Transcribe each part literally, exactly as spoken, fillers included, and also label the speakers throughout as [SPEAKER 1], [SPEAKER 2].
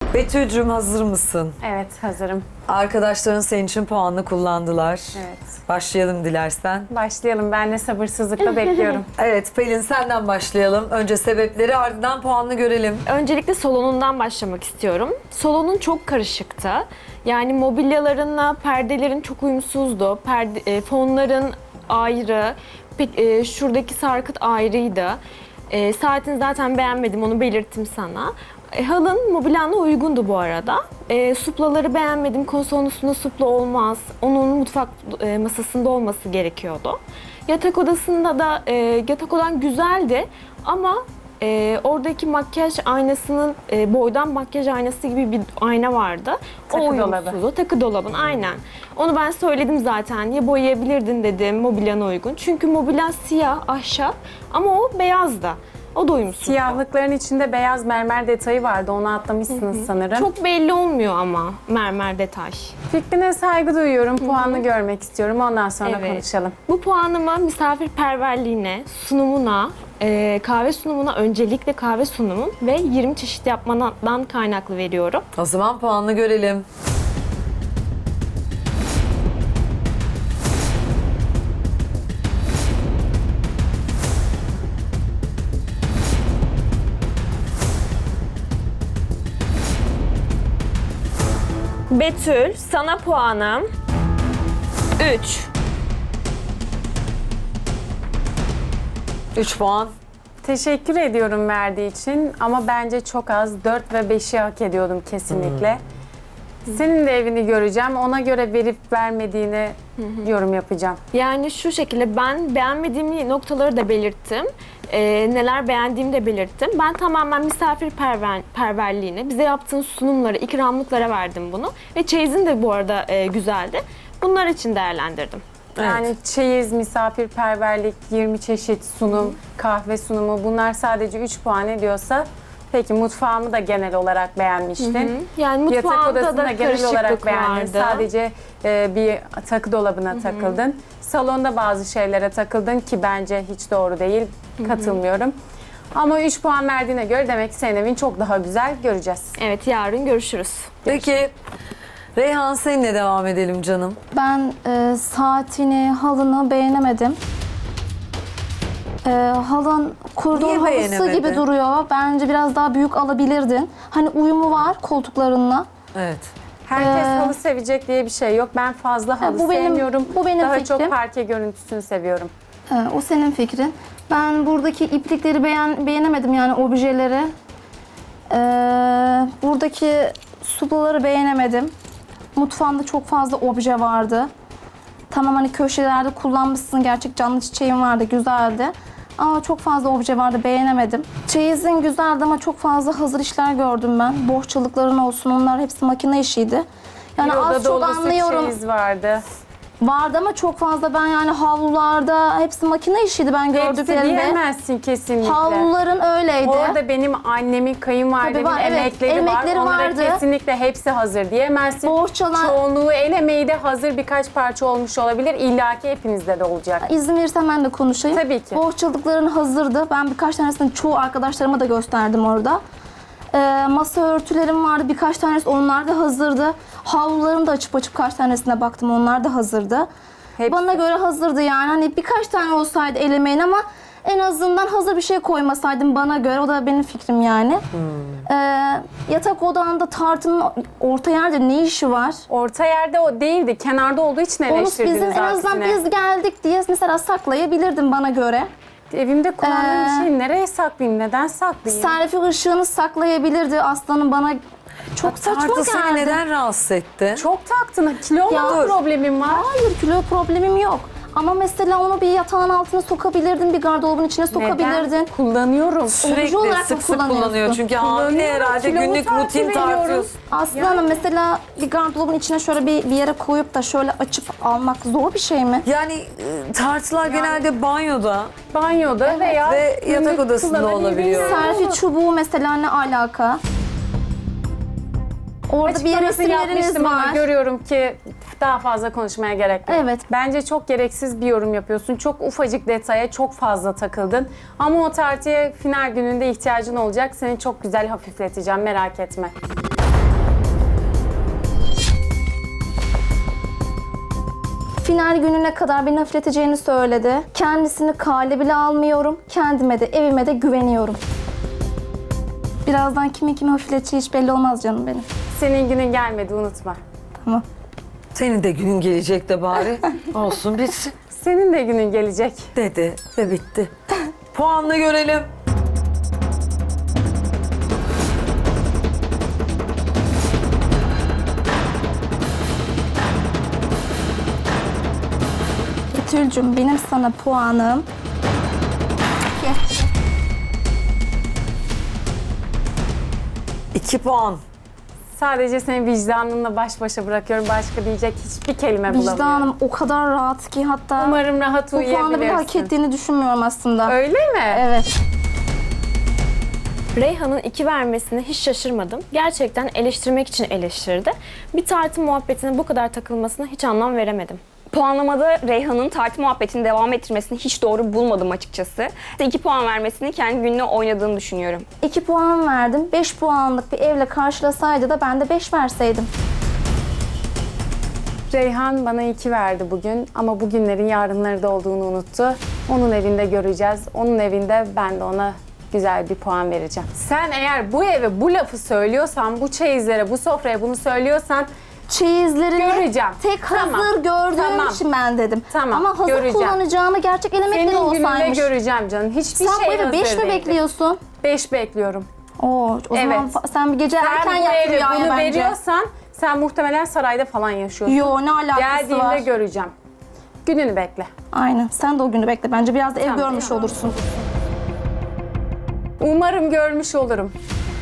[SPEAKER 1] Betül'cüğüm hazır mısın?
[SPEAKER 2] Evet, hazırım.
[SPEAKER 1] Arkadaşların senin için puanını kullandılar.
[SPEAKER 2] Evet.
[SPEAKER 1] Başlayalım dilersen.
[SPEAKER 2] Başlayalım. Ben de sabırsızlıkla bekliyorum.
[SPEAKER 1] Evet Pelin senden başlayalım. Önce sebepleri ardından puanını görelim.
[SPEAKER 3] Öncelikle salonundan başlamak istiyorum. Salonun çok karışıktı. Yani mobilyalarınla perdelerin çok uyumsuzdu. Perde, e, fonların ayrı, pe- e, şuradaki sarkıt ayrıydı. E, saatini zaten beğenmedim, onu belirttim sana. E, halın mobilyanla uygundu bu arada. E, suplaları beğenmedim, konsolun üstünde supla olmaz. Onun mutfak e, masasında olması gerekiyordu. Yatak odasında da, e, yatak odan güzeldi ama e, oradaki makyaj aynasının, e, boydan makyaj aynası gibi bir ayna vardı.
[SPEAKER 2] Takı
[SPEAKER 3] o
[SPEAKER 2] dolabı.
[SPEAKER 3] uyumsuzdu. Takı dolabın, aynen. Onu ben söyledim zaten. Ya boyayabilirdin dedim mobilyana uygun. Çünkü mobilya siyah, ahşap ama o beyazdı. O da uyumsuzdu.
[SPEAKER 2] Siyahlıkların içinde beyaz mermer detayı vardı. Onu atlamışsınız sanırım.
[SPEAKER 3] Çok belli olmuyor ama mermer detay.
[SPEAKER 2] Fikrine saygı duyuyorum. Puanını görmek istiyorum. Ondan sonra
[SPEAKER 3] Evet.
[SPEAKER 2] konuşalım.
[SPEAKER 3] Bu puanımı misafirperverliğine, sunumuna, e, kahve sunumuna, öncelikle kahve sunumun ve yirmi çeşit yapmandan kaynaklı veriyorum.
[SPEAKER 1] O zaman puanını görelim.
[SPEAKER 3] Betül, sana puanım üç.
[SPEAKER 1] üç puan.
[SPEAKER 2] Teşekkür ediyorum verdiği için ama bence çok az. dört ve beşi hak ediyordum kesinlikle. Senin de evini göreceğim. Ona göre verip vermediğini yorum yapacağım.
[SPEAKER 3] Yani şu şekilde ben beğenmediğim noktaları da belirttim. Ee, neler beğendiğimi de belirttim. Ben tamamen misafirperverliğine, bize yaptığın sunumlara, ikramlıklara verdim bunu. Ve çeyizin de bu arada e, güzeldi. Bunlar için değerlendirdim.
[SPEAKER 2] Yani çeyiz, misafirperverlik, yirmi çeşit sunum, kahve sunumu bunlar sadece üç puan ediyorsa peki mutfağımı da genel olarak beğenmiştin.
[SPEAKER 3] Yani
[SPEAKER 2] Yatak
[SPEAKER 3] mutfağımda
[SPEAKER 2] odasını
[SPEAKER 3] da
[SPEAKER 2] da genel olarak
[SPEAKER 3] karışıklık
[SPEAKER 2] beğendin.
[SPEAKER 3] vardı.
[SPEAKER 2] Sadece e, bir takı dolabına takıldın. Salonda bazı şeylere takıldın ki bence hiç doğru değil. Katılmıyorum. Ama üç puan verdiğine göre demek ki senin evin çok daha güzel, göreceğiz.
[SPEAKER 3] Evet, yarın görüşürüz.
[SPEAKER 1] Peki Reyhan seninle devam edelim canım.
[SPEAKER 4] Ben e, saatini, halını beğenemedim. E, halın kurduğun
[SPEAKER 1] Niye
[SPEAKER 4] halısı
[SPEAKER 1] beğenemedin?
[SPEAKER 4] gibi duruyor. Bence biraz daha büyük alabilirdin. Hani uyumu var koltuklarınla.
[SPEAKER 1] Evet.
[SPEAKER 2] Herkes
[SPEAKER 4] Ee,
[SPEAKER 2] halı sevecek diye bir şey yok. Ben fazla halı
[SPEAKER 4] bu benim-
[SPEAKER 2] sevmiyorum.
[SPEAKER 4] bu benim
[SPEAKER 2] Daha
[SPEAKER 4] fikrim.
[SPEAKER 2] çok parke görüntüsünü seviyorum.
[SPEAKER 4] E, o senin fikrin. Ben buradaki iplikleri beğen, beğenemedim yani objeleri. E, buradaki suplaları beğenemedim. Mutfağında çok fazla obje vardı. Tamam hani köşelerde kullanmışsın, gerçek canlı çiçeğin vardı, güzeldi. Ama çok fazla obje vardı, beğenemedim. Çeyizin güzeldi ama çok fazla hazır işler gördüm ben. Bohçalıkların olsun, onlar hepsi makine işiydi. Yani
[SPEAKER 2] Bir oda
[SPEAKER 4] az çok
[SPEAKER 2] dolusu
[SPEAKER 4] anlıyorum.
[SPEAKER 2] çeyiz vardı.
[SPEAKER 4] Vardı ama çok fazla ben yani havlularda hepsi makine işiydi ben
[SPEAKER 2] Hepsi
[SPEAKER 4] gördüklerimde.
[SPEAKER 2] diyemezsin kesinlikle.
[SPEAKER 4] Havluların öyleydi.
[SPEAKER 2] Orada benim annemin, kayınvalidemin
[SPEAKER 4] Tabii var, evet.
[SPEAKER 2] emekleri,
[SPEAKER 4] Emekleri
[SPEAKER 2] var. Onlara
[SPEAKER 4] vardı.
[SPEAKER 2] kesinlikle hepsi hazır diyemezsin.
[SPEAKER 4] Bohçalar-
[SPEAKER 2] Çoğunluğu el emeği de hazır birkaç parça olmuş olabilir. İlla ki hepinizde de olacak.
[SPEAKER 4] İzin verirsen ben de konuşayım.
[SPEAKER 2] Tabii ki.
[SPEAKER 4] Bohçalıkların hazırdı. Ben birkaç tanesini çoğu arkadaşlarıma da gösterdim orada. Ee, masa örtülerim vardı. Birkaç tanesi onlar da hazırdı. Havlularım da açıp açıp kaç tanesine baktım. Onlar da hazırdı.
[SPEAKER 2] Hepsi.
[SPEAKER 4] Bana göre hazırdı yani. Hani birkaç tane olsaydı el emeğin ama en azından hazır bir şey koymasaydım bana göre. O da benim fikrim yani. Ee, yatak odanda tartının orta yerde ne işi var?
[SPEAKER 2] Orta yerde o değildi. Kenarda olduğu için
[SPEAKER 4] Onu
[SPEAKER 2] eleştirdiniz
[SPEAKER 4] bizim en azından
[SPEAKER 2] aksine.
[SPEAKER 4] biz geldik diye mesela saklayabilirdim bana göre.
[SPEAKER 2] Evimde kullandığım
[SPEAKER 4] Ee,
[SPEAKER 2] şeyi nereye saklayayım? Neden saklayayım?
[SPEAKER 4] Serfi ışığını saklayabilirdi aslanım bana çok saçma
[SPEAKER 1] Tartı seni
[SPEAKER 4] geldi.
[SPEAKER 1] neden rahatsız etti?
[SPEAKER 2] Çok taktın. Kilo
[SPEAKER 4] Ya
[SPEAKER 2] mu
[SPEAKER 4] dur.
[SPEAKER 2] problemim var?
[SPEAKER 4] Hayır kilo problemim yok. Ama mesela onu bir yatağın altına sokabilirdin, bir gardırobun içine sokabilirdin.
[SPEAKER 2] Neden? Kullanıyorum.
[SPEAKER 1] Sürekli
[SPEAKER 4] olarak mı
[SPEAKER 1] sık sık
[SPEAKER 4] kullanıyorsun?
[SPEAKER 1] kullanıyor. Çünkü hamile
[SPEAKER 2] Kullanıyorum,
[SPEAKER 1] herhalde
[SPEAKER 2] kilomu
[SPEAKER 1] günlük
[SPEAKER 2] takip
[SPEAKER 1] rutin
[SPEAKER 2] ediyorum.
[SPEAKER 1] tartıyorsun.
[SPEAKER 4] Aslanım mesela bir gardırobun içine şöyle bir, bir yere koyup da şöyle açıp almak zor bir şey mi?
[SPEAKER 1] Yani e, tartılar genelde banyoda
[SPEAKER 2] Banyoda veya
[SPEAKER 1] ve yatak
[SPEAKER 2] günlük
[SPEAKER 1] odasında
[SPEAKER 2] kullanabildiğin
[SPEAKER 1] olabiliyor.
[SPEAKER 2] yerde
[SPEAKER 4] Serfi
[SPEAKER 2] olur.
[SPEAKER 4] çubuğu mesela ne alaka? Orada bir
[SPEAKER 2] Açıklamasını
[SPEAKER 4] resimleriniz
[SPEAKER 2] yapmıştım ama
[SPEAKER 4] var.
[SPEAKER 2] görüyorum ki daha fazla konuşmaya gerek yok.
[SPEAKER 4] Evet.
[SPEAKER 2] Bence çok gereksiz bir yorum yapıyorsun. Çok ufacık detaya çok fazla takıldın. Ama o tartıya final gününde ihtiyacın olacak. Seni çok güzel hafifleteceğim, merak etme.
[SPEAKER 4] Final gününe kadar beni hafifleteceğini söyledi. Kendisini kale bile almıyorum. Kendime de evime de güveniyorum. Birazdan kimin kimi hafifleteceği hiç belli olmaz canım benim.
[SPEAKER 2] Senin günün gelmedi, unutma.
[SPEAKER 4] Tamam.
[SPEAKER 1] Senin de günün gelecek de bari. Olsun bitsin
[SPEAKER 2] Senin de günün gelecek.
[SPEAKER 1] dedi ve bitti. Puanla görelim.
[SPEAKER 4] Betül'cüm benim sana puanım...
[SPEAKER 1] İki puan.
[SPEAKER 2] Sadece seni vicdanınla baş başa bırakıyorum. Başka diyecek hiçbir kelime bulamıyorum.
[SPEAKER 4] Vicdanım o kadar rahat ki hatta
[SPEAKER 2] Umarım rahat
[SPEAKER 4] bu puanı bile hak
[SPEAKER 2] uyuyabilirsin.
[SPEAKER 4] ettiğini düşünmüyorum aslında.
[SPEAKER 2] Öyle mi?
[SPEAKER 4] Evet.
[SPEAKER 3] Reyhan'ın iki vermesine hiç şaşırmadım. Gerçekten eleştirmek için eleştirdi. Bir tartı muhabbetine bu kadar takılmasına hiç anlam veremedim.
[SPEAKER 5] Puanlamada Reyhan'ın tartı muhabbetini devam ettirmesini hiç doğru bulmadım açıkçası. iki puan vermesini kendi gününe oynadığını düşünüyorum.
[SPEAKER 4] iki puan verdim. beş puanlık bir evle karşılasaydı da ben de beş verseydim.
[SPEAKER 2] Reyhan bana iki verdi bugün ama bugünlerin yarınları da olduğunu unuttu. Onun evinde göreceğiz. Onun evinde ben de ona güzel bir puan vereceğim. Sen eğer bu eve bu lafı söylüyorsan, bu çeyizlere, bu sofraya bunu söylüyorsan
[SPEAKER 4] Çeyizlerini
[SPEAKER 2] Göreceğim.
[SPEAKER 4] tek
[SPEAKER 2] Tamam.
[SPEAKER 4] hazır gördüğüm
[SPEAKER 2] Tamam.
[SPEAKER 4] için ben dedim.
[SPEAKER 2] Tamam,
[SPEAKER 4] Ama hazır
[SPEAKER 2] göreceğim.
[SPEAKER 4] kullanacağımı gerçek elemekleri
[SPEAKER 2] senin gününde
[SPEAKER 4] olsaymış.
[SPEAKER 2] göreceğim canım. Hiçbir
[SPEAKER 4] Sen bu
[SPEAKER 2] şey
[SPEAKER 4] eve
[SPEAKER 2] hazır
[SPEAKER 4] beş mi
[SPEAKER 2] değildi.
[SPEAKER 4] bekliyorsun?
[SPEAKER 2] beş bekliyorum.
[SPEAKER 4] Oo, o zaman
[SPEAKER 2] Evet.
[SPEAKER 4] fa- sen bir gece erken
[SPEAKER 2] Sen bu
[SPEAKER 4] yat
[SPEAKER 2] eve
[SPEAKER 4] rüyaya
[SPEAKER 2] bunu
[SPEAKER 4] bence.
[SPEAKER 2] veriyorsan sen muhtemelen sarayda falan yaşıyorsun.
[SPEAKER 4] Yo, ne alakası
[SPEAKER 2] Geldiğimde
[SPEAKER 4] var?
[SPEAKER 2] göreceğim. Gününü bekle.
[SPEAKER 4] Aynen. Sen de o günü bekle. Bence biraz da ev
[SPEAKER 2] Tamam.
[SPEAKER 4] görmüş olursun.
[SPEAKER 2] Umarım görmüş olurum.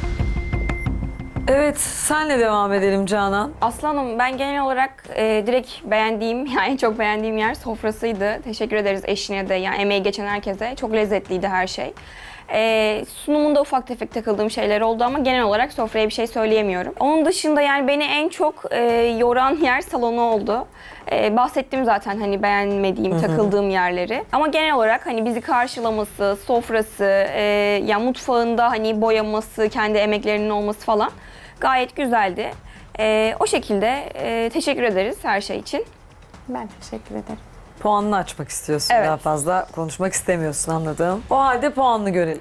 [SPEAKER 1] Evet, senle devam edelim Canan.
[SPEAKER 5] Aslanım ben genel olarak e, direkt beğendiğim, yani çok beğendiğim yer sofrasıydı. Teşekkür ederiz eşine de, yani emeği geçen herkese. Çok lezzetliydi her şey. E, sunumunda ufak tefek takıldığım şeyler oldu ama genel olarak sofraya bir şey söyleyemiyorum. Onun dışında yani beni en çok e, yoran yer salonu oldu. E, bahsettim zaten hani beğenmediğim, takıldığım yerleri. Ama genel olarak hani bizi karşılaması, sofrası, e, ya mutfağında hani boyaması, kendi emeklerinin olması falan gayet güzeldi. E, o şekilde e, teşekkür ederiz her şey için.
[SPEAKER 2] Ben teşekkür ederim.
[SPEAKER 1] Puanını açmak istiyorsun.
[SPEAKER 5] Evet.
[SPEAKER 1] Daha fazla konuşmak istemiyorsun, anladım. O halde puanını görelim.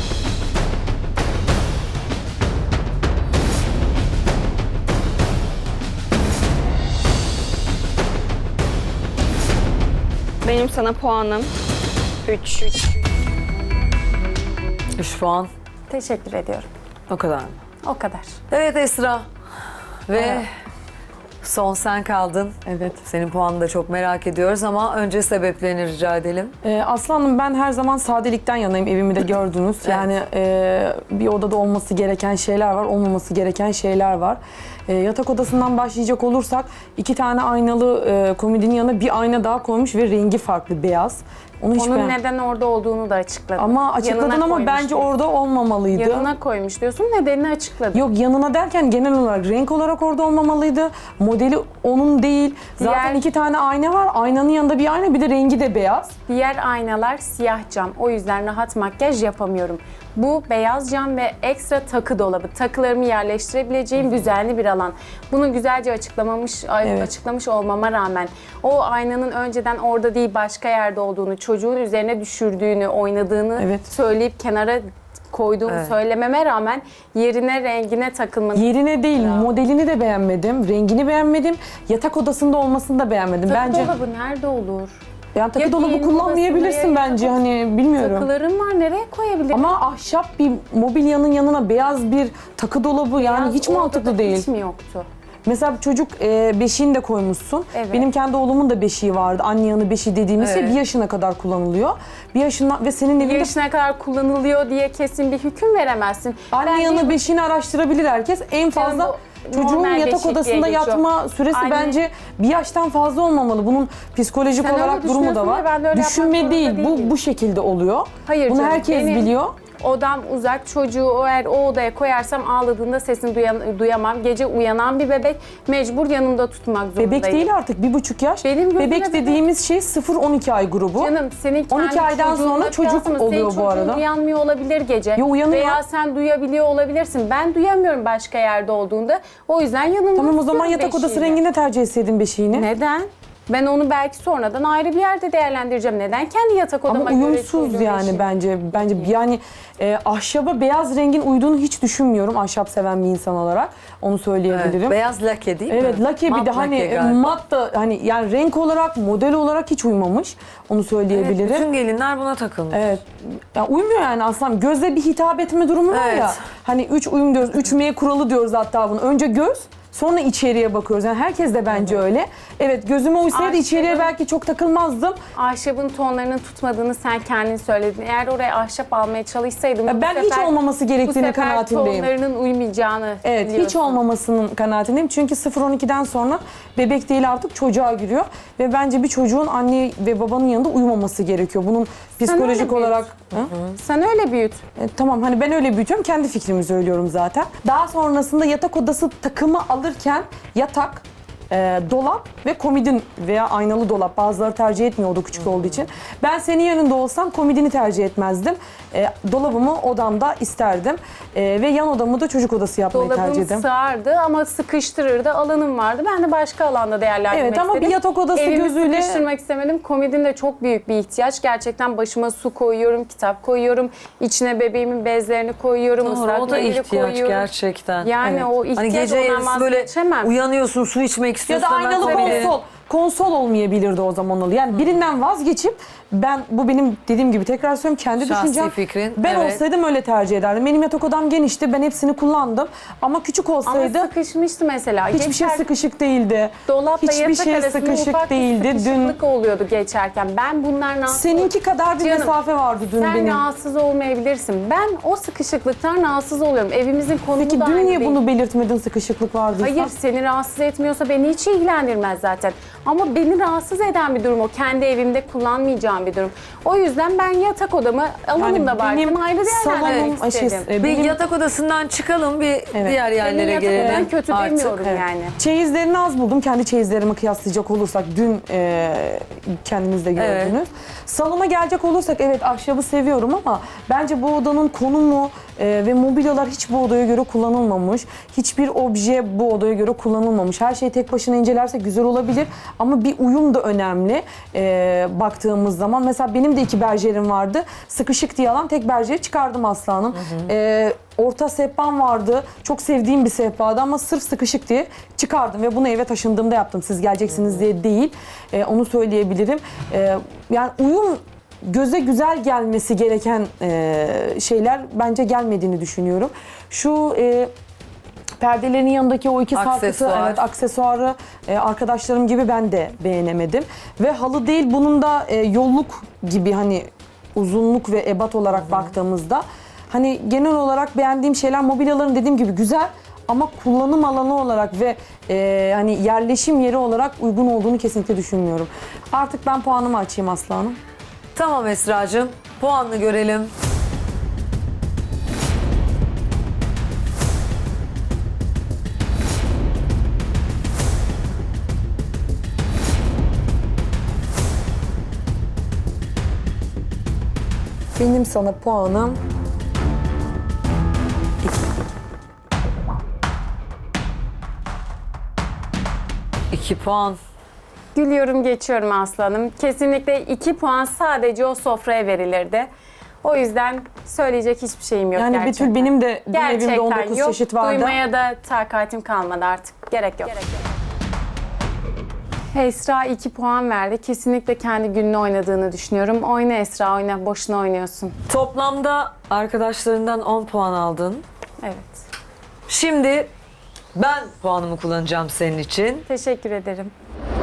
[SPEAKER 5] Benim sana puanım üç.
[SPEAKER 1] Üç puan.
[SPEAKER 2] Teşekkür ediyorum.
[SPEAKER 1] O kadar mı?
[SPEAKER 2] O kadar.
[SPEAKER 1] Evet Esra. Ve son sen kaldın.
[SPEAKER 6] Evet.
[SPEAKER 1] Senin puanını da çok merak ediyoruz ama önce sebeplerini rica edelim.
[SPEAKER 6] Ee, Aslanım ben her zaman sadelikten yanayım, evimi de gördünüz. Yani e, bir odada olması gereken şeyler var, olmaması gereken şeyler var. E, yatak odasından başlayacak olursak iki tane aynalı e, komodinin yanına bir ayna daha koymuş ve rengi farklı, beyaz. Onu hiç
[SPEAKER 2] Onun
[SPEAKER 6] beğen-
[SPEAKER 2] neden orada olduğunu da açıkladım.
[SPEAKER 6] Ama açıkladın
[SPEAKER 2] Yanına
[SPEAKER 6] ama
[SPEAKER 2] koymuş
[SPEAKER 6] bence
[SPEAKER 2] diyorsun.
[SPEAKER 6] orada olmamalıydı.
[SPEAKER 2] Yanına koymuş diyorsun, nedenini açıkladım.
[SPEAKER 6] Yok, yanına derken genel olarak renk olarak orada olmamalıydı. Modeli onun değil. Zaten
[SPEAKER 2] Diğer-
[SPEAKER 6] iki tane ayna var. Aynanın yanında bir ayna, bir de rengi de beyaz.
[SPEAKER 2] Diğer aynalar siyah cam. O yüzden rahat makyaj yapamıyorum. Bu beyaz cam ve ekstra takı dolabı. Takılarımı yerleştirebileceğim düzenli bir alan. Bunu güzelce açıklamamış,
[SPEAKER 6] Evet.
[SPEAKER 2] açıklamış olmama rağmen o aynanın önceden orada değil başka yerde olduğunu, çocuğun üzerine düşürdüğünü, oynadığını
[SPEAKER 6] Evet.
[SPEAKER 2] söyleyip kenara koyduğumu
[SPEAKER 1] Evet.
[SPEAKER 2] söylememe rağmen yerine rengine takılmanı.
[SPEAKER 6] Yerine değil, modelini de beğenmedim, rengini beğenmedim, yatak odasında olmasını da beğenmedim.
[SPEAKER 2] Takı
[SPEAKER 6] Bence
[SPEAKER 2] dolabı nerede olur?
[SPEAKER 6] yani takı
[SPEAKER 2] Ya
[SPEAKER 6] dolabı
[SPEAKER 2] giyinme
[SPEAKER 6] kullanmayabilirsin
[SPEAKER 2] odasında ya
[SPEAKER 6] bence,
[SPEAKER 2] yatak-
[SPEAKER 6] hani bilmiyorum.
[SPEAKER 2] Takılarım var, nereye koyabilirim?
[SPEAKER 6] Ama ahşap bir mobilyanın yanına beyaz bir takı dolabı yani
[SPEAKER 2] Beyaz
[SPEAKER 6] hiç
[SPEAKER 2] orada
[SPEAKER 6] mantıklı
[SPEAKER 2] da
[SPEAKER 6] değil.
[SPEAKER 2] Hiç mi yoktu?
[SPEAKER 6] Mesela çocuk e, beşiğini de koymuşsun.
[SPEAKER 2] Evet.
[SPEAKER 6] Benim kendi oğlumun da beşiği vardı. Anne yanı beşiği dediğimiz şey
[SPEAKER 1] Evet.
[SPEAKER 6] bir yaşına kadar kullanılıyor. Bir yaşından ve senin
[SPEAKER 2] Bir
[SPEAKER 6] evinde
[SPEAKER 2] yaşına kadar kullanılıyor diye kesin bir hüküm veremezsin.
[SPEAKER 6] anne
[SPEAKER 2] Ben
[SPEAKER 6] yanı
[SPEAKER 2] bir-
[SPEAKER 6] beşiğini araştırabilir herkes. En fazla
[SPEAKER 2] bu
[SPEAKER 6] çocuğun
[SPEAKER 2] normal
[SPEAKER 6] yatak
[SPEAKER 2] beşik diye
[SPEAKER 6] odasında
[SPEAKER 2] geçiyor.
[SPEAKER 6] yatma süresi
[SPEAKER 2] Anne-
[SPEAKER 6] bence bir yaştan fazla olmamalı. Bunun psikolojik
[SPEAKER 2] Sen öyle
[SPEAKER 6] olarak durumu da
[SPEAKER 2] düşünüyorsun
[SPEAKER 6] var.
[SPEAKER 2] ya, ben de öyle yapmak
[SPEAKER 6] Düşünme
[SPEAKER 2] zorunda
[SPEAKER 6] değil, bu
[SPEAKER 2] değilim.
[SPEAKER 6] bu şekilde oluyor.
[SPEAKER 2] Hayır
[SPEAKER 6] Bunu
[SPEAKER 2] canım,
[SPEAKER 6] herkes
[SPEAKER 2] benim-
[SPEAKER 6] biliyor.
[SPEAKER 2] Odam uzak, çocuğu o eğer o odaya koyarsam ağladığında sesini duyan- duyamam. Gece uyanan bir bebek mecbur yanımda tutmak zorundayım.
[SPEAKER 6] Bebek değil artık, bir buçuk yaş.
[SPEAKER 2] Benim gözüme
[SPEAKER 6] bebek
[SPEAKER 2] bebek.
[SPEAKER 6] dediğimiz şey sıfır on iki ay grubu.
[SPEAKER 2] Canım senin kendi
[SPEAKER 6] on iki aydan
[SPEAKER 2] çocuğunla
[SPEAKER 6] sonra çocuk
[SPEAKER 2] kıyaslama.
[SPEAKER 6] oluyor
[SPEAKER 2] Senin
[SPEAKER 6] bu
[SPEAKER 2] çocuğun
[SPEAKER 6] arada.
[SPEAKER 2] uyanmıyor olabilir gece.
[SPEAKER 6] Ya uyanıyor.
[SPEAKER 2] Veya sen duyabiliyor olabilirsin. Ben duyamıyorum başka yerde olduğunda. O yüzden yanımda
[SPEAKER 6] Tamam, o zaman
[SPEAKER 2] tutuyorum
[SPEAKER 6] yatak odası
[SPEAKER 2] beşiğini.
[SPEAKER 6] renginde tercih etseydin beşiğini.
[SPEAKER 2] Neden? Ben onu belki sonradan ayrı bir yerde değerlendireceğim. Neden kendi yatak odama
[SPEAKER 6] Ama
[SPEAKER 2] göre
[SPEAKER 6] uyumsuz
[SPEAKER 2] koyduğum
[SPEAKER 6] yani
[SPEAKER 2] eşya?
[SPEAKER 6] bence. Bence yani e, ahşaba beyaz rengin uyduğunu hiç düşünmüyorum ahşap seven bir insan olarak. Onu
[SPEAKER 1] Evet,
[SPEAKER 6] söyleyebilirim.
[SPEAKER 1] beyaz lake değil mi?
[SPEAKER 6] Evet, lake bir
[SPEAKER 1] Mat
[SPEAKER 6] de hani
[SPEAKER 1] lake
[SPEAKER 6] e,
[SPEAKER 1] galiba.
[SPEAKER 6] mat da hani yani renk olarak, model olarak hiç uymamış. Onu
[SPEAKER 1] Evet,
[SPEAKER 6] söyleyebilirim.
[SPEAKER 1] bütün gelinler buna takılmış.
[SPEAKER 6] Evet. Ya uymuyor yani aslında. Gözle bir hitap etme durumu var
[SPEAKER 1] Evet.
[SPEAKER 6] ya. Hani üç uyum diyoruz. Üç M kuralı diyoruz hatta bunu. Önce göz, sonra içeriye bakıyoruz. Yani herkes de bence öyle. Evet, gözüme uysaydı
[SPEAKER 2] Ahşabın-
[SPEAKER 6] içeriye belki çok takılmazdım.
[SPEAKER 2] Ahşabın tonlarının tutmadığını sen kendin söyledin. Eğer oraya ahşap almaya çalışsaydım
[SPEAKER 6] Ya
[SPEAKER 2] bu
[SPEAKER 6] ben hiç
[SPEAKER 2] sefer-
[SPEAKER 6] olmaması
[SPEAKER 2] bu
[SPEAKER 6] gerektiğini
[SPEAKER 2] sefer
[SPEAKER 6] kanaatindeyim.
[SPEAKER 2] tonlarının uymayacağını
[SPEAKER 6] Evet, hiç
[SPEAKER 2] biliyorsun.
[SPEAKER 6] olmamasının kanaatindeyim. Çünkü sıfır on ikiden sonra bebek değil artık çocuğa giriyor. Ve bence bir çocuğun anne ve babanın yanında uyumaması gerekiyor. Bunun psikolojik
[SPEAKER 2] öyle
[SPEAKER 6] olarak... Hı?
[SPEAKER 2] Sen öyle büyüt.
[SPEAKER 6] E, tamam hani ben öyle büyütüyorum. Kendi fikrimi söylüyorum zaten. Daha sonrasında yatak odası takımı alırken yatak, e, dolap ve komodin veya aynalı dolap. Bazıları tercih etmiyor oda küçük olduğu için. Ben senin yanında olsam komodini tercih etmezdim. E, dolabımı odamda isterdim. E, ve yan odamı da çocuk odası yapmayı tercih
[SPEAKER 2] Dolabım
[SPEAKER 6] ederim.
[SPEAKER 2] sığardı ama sıkıştırırdı. Alanım vardı. Ben de başka alanda değerlendirmek
[SPEAKER 6] Evet, ama
[SPEAKER 2] istedim.
[SPEAKER 6] bir yatak odası
[SPEAKER 2] Evimi
[SPEAKER 6] gözüyle-
[SPEAKER 2] sıkıştırmak istemedim. Komodin de çok büyük bir ihtiyaç. Gerçekten başıma su koyuyorum, kitap koyuyorum. İçine bebeğimin bezlerini koyuyorum.
[SPEAKER 1] Doğru,
[SPEAKER 2] ıslak
[SPEAKER 1] o da
[SPEAKER 2] mendili
[SPEAKER 1] ihtiyaç
[SPEAKER 2] koyuyorum.
[SPEAKER 1] gerçekten.
[SPEAKER 2] Yani
[SPEAKER 6] Evet.
[SPEAKER 2] o ihtiyaç
[SPEAKER 1] Hani gece
[SPEAKER 2] ondan
[SPEAKER 1] yarısı böyle
[SPEAKER 2] vazgeçemem.
[SPEAKER 1] uyanıyorsun, su içmek
[SPEAKER 6] Ya
[SPEAKER 1] istiyorsun.
[SPEAKER 6] da
[SPEAKER 1] hemen
[SPEAKER 6] aynalı
[SPEAKER 1] komodini-
[SPEAKER 6] konsol. Konsol olmayabilirdi o zaman oluyor. Yani birinden vazgeçip ben bu benim dediğim gibi tekrar söylüyorum kendi
[SPEAKER 1] Şahsi
[SPEAKER 6] düşüncem.
[SPEAKER 1] fikrin,
[SPEAKER 6] Ben
[SPEAKER 1] evet.
[SPEAKER 6] olsaydım öyle tercih ederdim. Benim yatak odam genişti. Ben hepsini kullandım. Ama küçük
[SPEAKER 2] Ama
[SPEAKER 6] olsaydı
[SPEAKER 2] sıkışmıştı mesela.
[SPEAKER 6] hiçbir şey
[SPEAKER 2] Geçer-
[SPEAKER 6] sıkışık değildi.
[SPEAKER 2] Dolapla
[SPEAKER 6] Hiçbir
[SPEAKER 2] yatak
[SPEAKER 6] şey
[SPEAKER 2] arasında
[SPEAKER 6] sıkışık
[SPEAKER 2] ufak
[SPEAKER 6] değildi.
[SPEAKER 2] bir
[SPEAKER 6] Dün
[SPEAKER 2] sıkışıklık oluyordu geçerken. Ben bunlardan
[SPEAKER 6] seninki kadar bir
[SPEAKER 2] Canım,
[SPEAKER 6] mesafe vardı dün
[SPEAKER 2] sen
[SPEAKER 6] benim.
[SPEAKER 2] rahatsız olmayabilirsin. Ben o sıkışıklıktan rahatsız oluyorum. Evimizin konumu
[SPEAKER 6] Peki
[SPEAKER 2] da
[SPEAKER 6] dün
[SPEAKER 2] aynı
[SPEAKER 6] niye
[SPEAKER 2] değil.
[SPEAKER 6] bunu belirtmedin sıkışıklık vardıysa?
[SPEAKER 2] Hayır, seni rahatsız etmiyorsa beni hiç ilgilendirmez zaten. Ama beni rahatsız eden bir durum o. Kendi evimde kullanmayacağım bir durum. O yüzden ben yatak odamı alanım da varken
[SPEAKER 6] benim
[SPEAKER 2] ayrı değerlendirmek
[SPEAKER 6] salonum, şey,
[SPEAKER 2] istedim.
[SPEAKER 6] e,
[SPEAKER 1] Bir
[SPEAKER 6] benim
[SPEAKER 1] yatak odasından çıkalım, bir diğer
[SPEAKER 2] Senin
[SPEAKER 1] yerlere
[SPEAKER 2] yatak odan
[SPEAKER 1] gelelim.
[SPEAKER 2] kötü
[SPEAKER 1] artık.
[SPEAKER 2] demiyorum
[SPEAKER 6] Evet.
[SPEAKER 2] yani.
[SPEAKER 6] Çeyizlerini az buldum. Kendi çeyizlerimi kıyaslayacak olursak dün e, kendiniz de gördünüz.
[SPEAKER 1] Evet.
[SPEAKER 6] Salona gelecek olursak evet ahşabı seviyorum ama bence bu odanın konumu e, ve mobilyalar hiç bu odaya göre kullanılmamış. Hiçbir obje bu odaya göre kullanılmamış. Her şeyi tek başına incelersek güzel olabilir ama bir uyum da önemli e, baktığımız zaman. Mesela benim de iki berjerim vardı. Sıkışık diye alan tek berjeri çıkardım aslanım. E, orta sehpam vardı. Çok sevdiğim bir sehpadı ama sırf sıkışık diye çıkardım ve bunu eve taşındığımda yaptım. Siz geleceksiniz diye değil. E, onu söyleyebilirim. E, yani uyum göze güzel gelmesi gereken e, şeyler bence gelmediğini düşünüyorum. Şu e, perdelerin yanındaki o iki sarkıtı,
[SPEAKER 1] Aksesuar.
[SPEAKER 6] evet aksesuarı e, arkadaşlarım gibi ben de beğenemedim. Ve halı değil bunun da e, yolluk gibi hani uzunluk ve ebat olarak baktığımızda hani genel olarak beğendiğim şeyler mobilyaların dediğim gibi güzel ama kullanım alanı olarak ve e, hani yerleşim yeri olarak uygun olduğunu kesinlikle düşünmüyorum. Artık ben puanımı açayım Aslı Hanım.
[SPEAKER 1] Tamam Esra'cığım, puanını görelim.
[SPEAKER 6] Benim sana puanım
[SPEAKER 1] İki puan.
[SPEAKER 2] Gülüyorum geçiyorum aslanım. Kesinlikle iki puan sadece o sofraya verilirdi. O yüzden söyleyecek hiçbir şeyim yok
[SPEAKER 6] yani
[SPEAKER 2] gerçekten.
[SPEAKER 6] Betül benim de dün evimde
[SPEAKER 2] Gerçekten
[SPEAKER 6] on dokuz
[SPEAKER 2] yok.
[SPEAKER 6] çeşit vardı.
[SPEAKER 2] Duymaya da takatim kalmadı artık. Gerek yok. Esra iki puan verdi. Kesinlikle kendi gününü oynadığını düşünüyorum. Oyna Esra, oyna. Boşuna oynuyorsun.
[SPEAKER 1] Toplamda arkadaşlarından on puan aldın.
[SPEAKER 2] Evet.
[SPEAKER 1] Şimdi ben puanımı kullanacağım senin için.
[SPEAKER 2] Teşekkür ederim.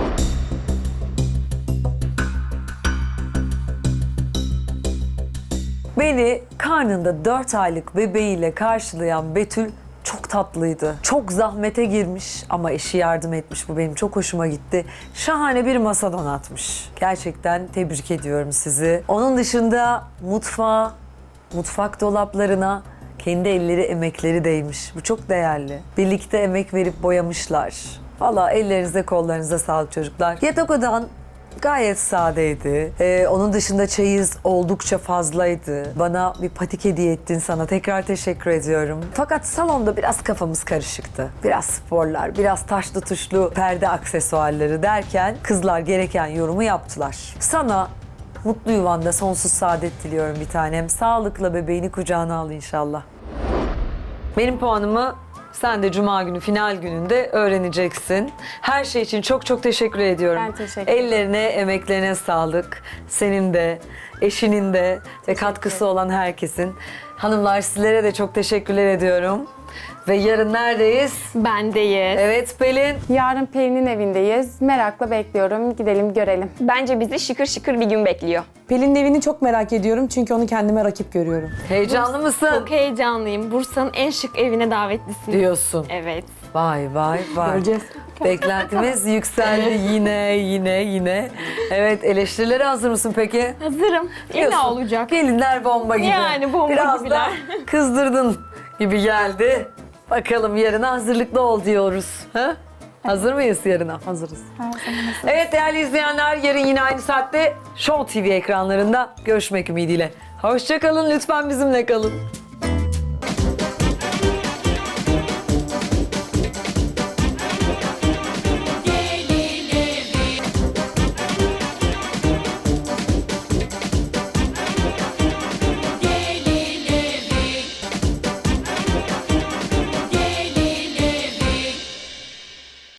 [SPEAKER 1] Beni karnında dört aylık bebeğiyle karşılayan Betül çok tatlıydı. Çok zahmete girmiş ama eşi yardım etmiş. Bu benim çok hoşuma gitti. Şahane bir masa donatmış. Gerçekten tebrik ediyorum sizi. Onun dışında mutfağa, mutfak dolaplarına kendi elleri, emekleri değmiş. Bu çok değerli. Birlikte emek verip boyamışlar. Valla ellerinize kollarınıza sağlık çocuklar. Yatak odan gayet sadeydi. Ee, onun dışında çeyiz oldukça fazlaydı. Bana bir patik hediye ettin, sana tekrar teşekkür ediyorum. Fakat salonda biraz kafamız karışıktı. Biraz sporlar, biraz taşlı tuşlu perde aksesuarları derken kızlar gereken yorumu yaptılar. Sana mutlu yuvanda sonsuz saadet diliyorum bir tanem. Sağlıkla bebeğini kucağına al inşallah. Benim puanımı sen de Cuma günü final gününde öğreneceksin. Her şey için çok çok teşekkür ediyorum.
[SPEAKER 2] Ben teşekkür ederim.
[SPEAKER 1] Ellerine, emeklerine sağlık. Senin de, eşinin de ve katkısı olan herkesin. Hanımlar sizlere de çok teşekkürler ediyorum. Ve yarın neredeyiz?
[SPEAKER 3] Bendeyiz.
[SPEAKER 1] Evet Pelin.
[SPEAKER 2] Yarın Pelin'in evindeyiz. Merakla bekliyorum. Gidelim görelim.
[SPEAKER 5] Bence bizi şıkır şıkır bir gün bekliyor.
[SPEAKER 6] Pelin'in evini çok merak ediyorum çünkü onu kendime rakip görüyorum.
[SPEAKER 1] Heyecanlı mısın?
[SPEAKER 3] Çok heyecanlıyım. Bursa'nın en şık evine davetlisin.
[SPEAKER 1] Diyorsun.
[SPEAKER 3] Evet.
[SPEAKER 1] Vay vay vay.
[SPEAKER 6] Göreceğiz.
[SPEAKER 1] Beklentimiz yükseldi yine yine yine. Evet, eleştirilere hazır mısın peki?
[SPEAKER 3] Hazırım. Yine
[SPEAKER 1] Diyorsun.
[SPEAKER 3] olacak.
[SPEAKER 1] Gelinler bomba gibi.
[SPEAKER 3] Yani bomba
[SPEAKER 1] Biraz da
[SPEAKER 3] gibiler.
[SPEAKER 1] kızdırdın gibi geldi. Bakalım yarına hazırlıklı ol diyoruz. Ha? Hazır mıyız yarına?
[SPEAKER 6] Hazırız.
[SPEAKER 1] Evet değerli izleyenler, yarın yine aynı saatte Show T V ekranlarında görüşmek ümidiyle. Hoşça kalın, lütfen bizimle kalın.